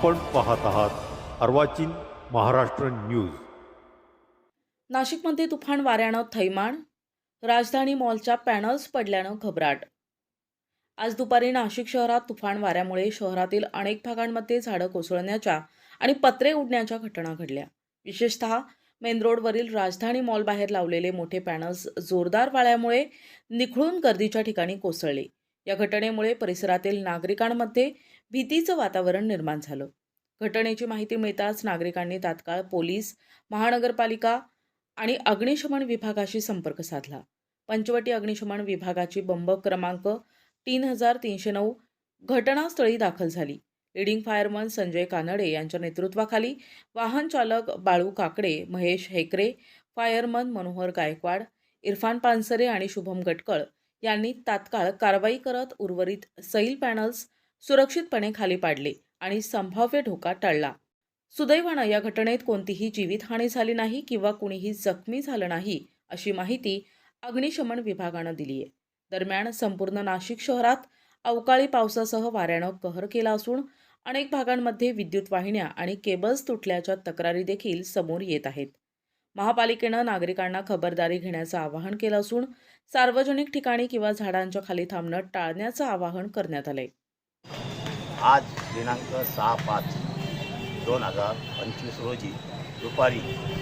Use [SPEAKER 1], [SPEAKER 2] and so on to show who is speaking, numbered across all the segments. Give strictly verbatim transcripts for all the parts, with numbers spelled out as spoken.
[SPEAKER 1] आपण पाहत आहात अर्वाचीन महाराष्ट्र न्यूज।
[SPEAKER 2] नाशिकमध्ये तुफान वाऱ्यानं थैमान, राजधानी मॉलच्या पॅनल्स पडल्यानं घबराट। आज दुपारी नाशिक शहरात तुफान वाऱ्यामुळे शहरातील अनेक भागांमध्ये झाडं कोसळण्याच्या आणि पत्रे उडण्याच्या घटना घडल्या। विशेषतः मेन रोडवरील राजधानी मॉल बाहेर लावलेले मोठे पॅनल्स जोरदार वाऱ्यामुळे निखळून गर्दीच्या ठिकाणी कोसळले। या घटनेमुळे परिसरातील नागरिकांमध्ये भीतीचं वातावरण निर्माण झालं। घटनेची माहिती मिळताच नागरिकांनी तात्काळ पोलीस, महानगरपालिका आणि अग्निशमन विभागाशी संपर्क साधला। पंचवटी अग्निशमन विभागाची बंब क्रमांक तीन हजार तीनशे नऊ घटनास्थळी दाखल झाली। लीडिंग फायरमन संजय कानडे यांच्या नेतृत्वाखाली वाहन चालक बाळू काकडे, महेश हेकरे, फायरमन मनोहर गायकवाड, इरफान पानसरे आणि शुभम गटकळ यांनी तात्काळ कारवाई करत उर्वरित सैल पॅनल्स सुरक्षितपणे खाली पाडले आणि संभाव्य धोका टळला। सुदैवानं या घटनेत कोणतीही जीवितहानी झाली नाही किंवा कुणीही जखमी झालं नाही, अशी माहिती अग्निशमन विभागानं दिली आहे। दरम्यान संपूर्ण नाशिक शहरात अवकाळी पावसासह वाऱ्यानं कहर केला असून अनेक भागांमध्ये विद्युत वाहिन्या आणि केबल्स तुटल्याच्या तक्रारी देखील समोर येत आहेत। महापालिकेनं नागरिकांना खबरदारी घेण्याचं आवाहन केलं असून सार्वजनिक ठिकाणी किंवा झाडांच्या खाली थांबणं टाळण्याचं आवाहन करण्यात आलंय।
[SPEAKER 3] आज दिनांक सहा पाच दोन हजार पंचवीस रोजी दुपारी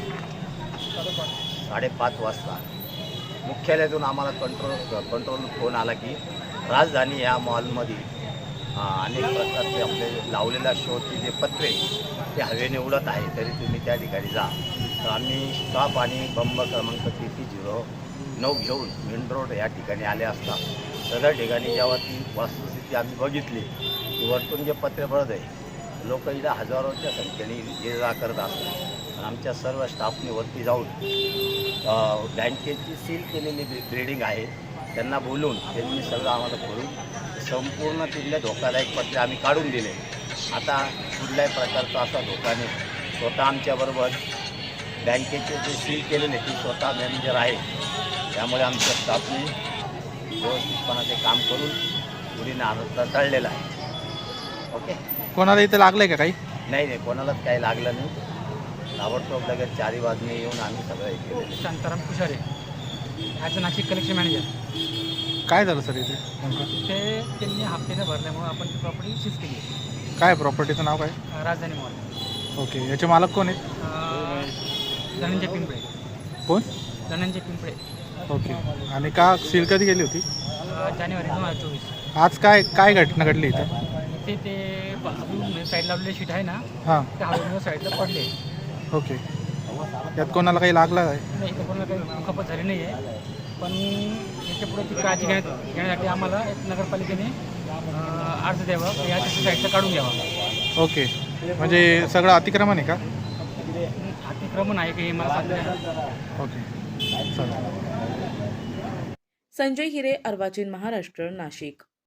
[SPEAKER 3] साडेपाच वाजता मुख्यालयातून आम्हाला कंट्रोल कंट्रोल फोन आला की राजधानी या मॉलमध्ये अनेक प्रकारचे आपले लावलेल्या शोचे जे पत्रे ते हवेने उडत आहे, तरी तुम्ही त्या ठिकाणी जा। तर आम्ही स्टॉप आणि बंब क्रमांक ती ती झिरो नऊ घेऊन मेन रोड या ठिकाणी आले असता सगळ्या ठिकाणी जेव्हा ती वस्तुस्थिती आम्ही बघितली की वरतून जे पत्रे पडत आहे, लोक इथं हजारोच्या संख्येने ये जा करत असतात। आमच्या सर्व स्टाफने वरती जाऊन बँकेची सील केलेली बिल्डिंग आहे त्यांना बोलून त्यांनी सगळं आम्हाला करून संपूर्ण तिथले धोकादायक पत्रे आम्ही काढून दिले। आता कुठल्याही प्रकारचा असा धोका नाही। स्वतः आमच्याबरोबर बँकेचे जे सील केलेले ते स्वतः मॅनेजर आहे, त्यामुळे आमच्या स्टाफने व्यवस्थितपणे ते काम करून पुढीने आणता टळलेलं आहे। ओके,
[SPEAKER 4] कोणाला इथे लागलंय का काही?
[SPEAKER 3] नाही नाही कोणालाच काही लागलं नाही। ताबडतोब लगेच चारी बाजूने येऊन आम्ही सगळं हे केलेलं।
[SPEAKER 5] Shantaram Kushare as a Nashik collection manager.
[SPEAKER 4] काय झालं सर इथे नेमकं?
[SPEAKER 5] ते त्यांनी हप्त्याने भरल्यामुळे आपण ती प्रॉपर्टी सीज केली।
[SPEAKER 4] काय प्रॉपर्टीचं नाव काय?
[SPEAKER 5] राजधानी मॉल।
[SPEAKER 4] ओके, याचे मालक कोण आहेत?
[SPEAKER 5] धनंजय पिंपळे।
[SPEAKER 4] कोण?
[SPEAKER 5] धनंजय पिंपळे।
[SPEAKER 4] ओके, आणि का सील कधी गेली होती?
[SPEAKER 5] जानेवारी दोन हजार चोवीस।
[SPEAKER 4] आज काय काय घटना घडली इथं?
[SPEAKER 5] ते ते साईड लावलेले शीट आहे ना,
[SPEAKER 4] हां,
[SPEAKER 5] ते हवेमुळे साईडला पडले।
[SPEAKER 4] ओके, यात कोणाला काही लागलं काय?
[SPEAKER 5] नाही, इथं कोणाला काही खपत झाली नाही आहे, पण याच्या पुढे ती काळजी घेण्यात घेण्यासाठी आम्हाला एक नगरपालिकेने अर्ज द्यावा, या साईडला काढून घ्यावा।
[SPEAKER 4] ओके, म्हणजे सगळं अतिक्रमण आहे का?
[SPEAKER 5] अतिक्रमण आहे की मला सांगता।
[SPEAKER 4] ओके, चालेल।
[SPEAKER 2] संजय हिरे, अर्वाचीन महाराष्ट्र, नाशिक।